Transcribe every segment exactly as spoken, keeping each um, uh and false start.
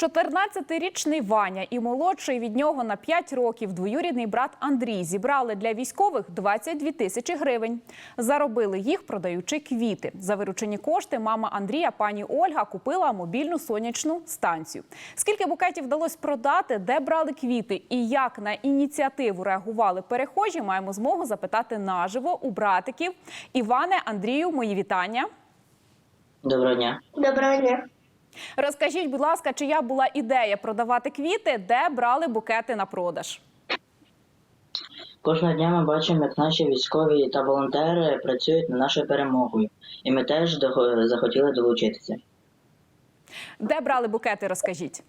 чотирнадцятирічний Ваня і молодший від нього на п'ять років двоюрідний брат Андрій зібрали для військових двадцять дві тисячі гривень. Заробили їх, продаючи квіти. За виручені кошти мама Андрія, пані Ольга, купила мобільну сонячну станцію. Скільки букетів вдалося продати, де брали квіти і як на ініціативу реагували перехожі, маємо змогу запитати наживо у братиків. Іване, Андрію, мої вітання. Доброго дня. Доброго дня. Розкажіть, будь ласка, чия була ідея продавати квіти, де брали букети на продаж? Кожного дня ми бачимо, як наші військові та волонтери працюють над нашою перемогою. І ми теж до- захотіли долучитися. Де брали букети, розкажіть.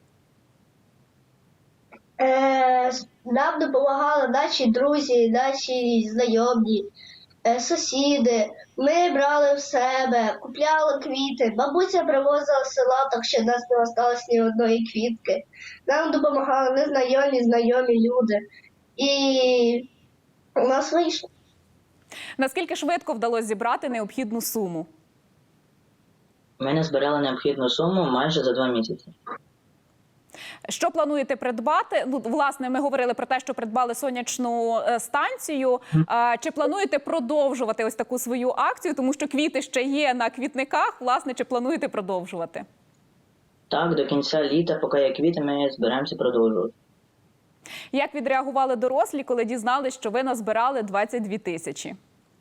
Е, нам допомагали наші друзі, наші знайомі, е, сусіди. Ми брали в себе, купляли квіти. Бабуся привозила з села, так що в нас не осталось ні одної квітки. Нам допомагали незнайомі, знайомі люди. І у нас вийшло. Наскільки швидко вдалося зібрати необхідну суму? Ми назбирали необхідну суму майже за два місяці. Що плануєте придбати? Ну, власне, ми говорили про те, що придбали сонячну е, станцію. А, чи плануєте продовжувати ось таку свою акцію? Тому що квіти ще є на квітниках. Власне, чи плануєте продовжувати? Так, до кінця літа, поки є квіти, ми збираємося продовжувати. Як відреагували дорослі, коли дізналися, що ви назбирали двадцять дві тисячі?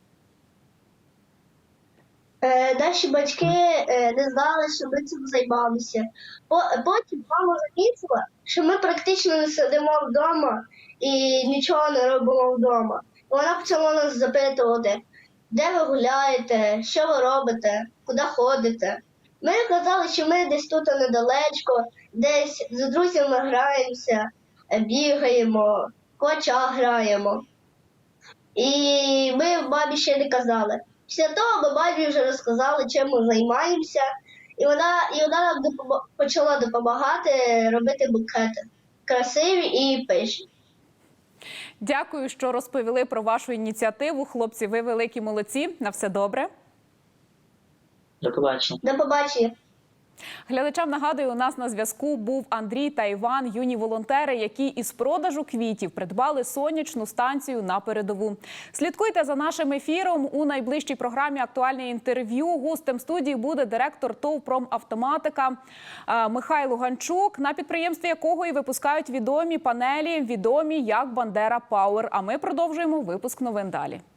Е, Наші батьки е, не знали, що ми цим займалися. По- Потім мама замітила, що ми практично не сидимо вдома і нічого не робимо вдома. Вона почала нас запитувати, де ви гуляєте, що ви робите, куди ходите. Ми казали, що ми десь тут недалечко, десь з друзями граємося, е, бігаємо, коча граємо. І ми мамі ще не казали. Після того ми мамі вже розказали, чим ми займаємося, і вона, і вона нам допомо- почала допомагати робити букети красиві і пишні. Дякую, що розповіли про вашу ініціативу. Хлопці, ви великі молодці. На все добре. До побачення. До побачення. Глядачам нагадую, у нас на зв'язку був Андрій та Іван, юні волонтери, які із продажу квітів придбали сонячну станцію на передову. Слідкуйте за нашим ефіром. У найближчій програмі «Актуальне інтерв'ю» гостем студії буде директор ТОВ «Промавтоматика» е, Михайло Ганчук, на підприємстві якого і випускають відомі панелі, відомі як «Бандера Пауер». А ми продовжуємо випуск новин далі.